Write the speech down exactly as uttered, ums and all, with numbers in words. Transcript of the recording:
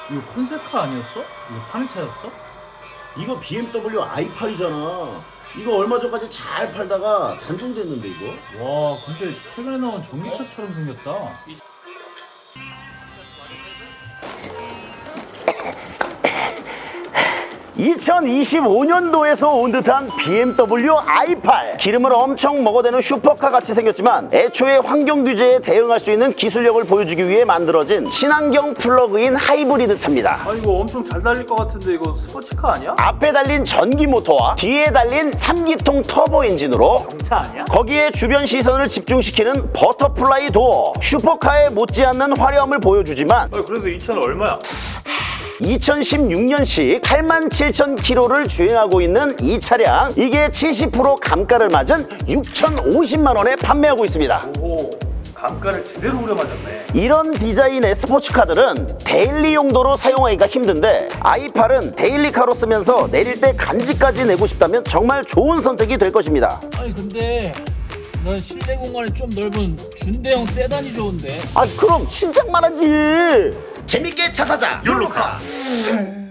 이거 컨셉카 아니었어? 이거 파는 차였어? 이거 비엠더블유 아이 팔이잖아. 이거 얼마 전까지 잘 팔다가 단종됐는데 이거? 와 근데 최근에 나온 전기차처럼 생겼다. 이천이십오 년도에서 온 듯한 비엠더블유 아이 팔. 기름을 엄청 먹어대는 슈퍼카 같이 생겼지만 애초에 환경 규제에 대응할 수 있는 기술력을 보여주기 위해 만들어진 친환경 플러그인 하이브리드 차입니다. 아 이거 엄청 잘 달릴 것 같은데 이거 스포츠카 아니야? 앞에 달린 전기 모터와 뒤에 달린 삼 기통 터보 엔진으로 경차 아니야? 거기에 주변 시선을 집중시키는 버터플라이 도어. 슈퍼카에 못지않는 화려함을 보여주지만 아 그래서 이 차는 얼마야? 이천십육 년식 팔만 칠천 킬로미터를 주행하고 있는 이 차량, 이게 칠십 퍼센트 감가를 맞은 육천오십만 원에 판매하고 있습니다. 오 감가를 제대로 후려맞았네. 이런 디자인의 스포츠카들은 데일리 용도로 사용하기가 힘든데 아이 팔은 데일리카로 쓰면서 내릴 때 간지까지 내고 싶다면 정말 좋은 선택이 될 것입니다. 아니 근데 난 실내 공간이 좀 넓은 준대형 세단이 좋은데. 아 그럼 신작만 하지. 재밌게 차 사자 욜로카.